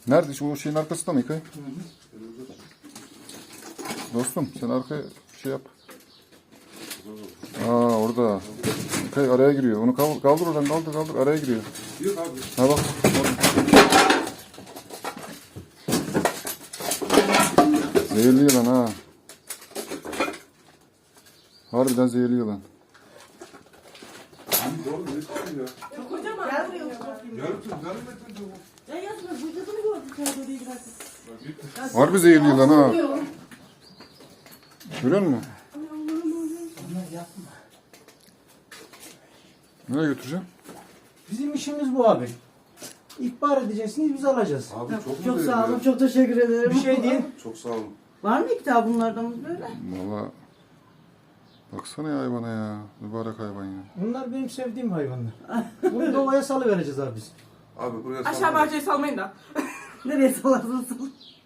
Nerede? Şu şeyin arkasında mı İkay? Dostum sen arkaya şey yap. Aa orada. İkay araya giriyor. Onu kaldır oradan kaldır araya giriyor. Yok abi. Ha bak. Zehirli yılan ha. Harbiden zehirli yılan. Abi doğru ne çıkıyor ya? Çok kocaman. Gel buraya oturayım. Yarım metre çok. Ya yazma vücudunu gördük orada değil bak. Harbi zehirli yılan ha. Görüyor musun? Nereye götüreceğim? Bizim işimiz bu abi. İhbar edeceksiniz, biz alacağız. Abi çok Çok mu sağ olun, değerli? çok teşekkür ederim. Bir şey değil. Çok sağ olun. Var mı kitabınlardan böyle? Valla. Baksana ya hayvana ya. Mübarek hayvan ya. Bunlar benim sevdiğim hayvanlar. Bunu doğaya salıvereceğiz abi biz. Abi buraya Aşağı salma. bahçeye salmayın da. Nereye salarsın?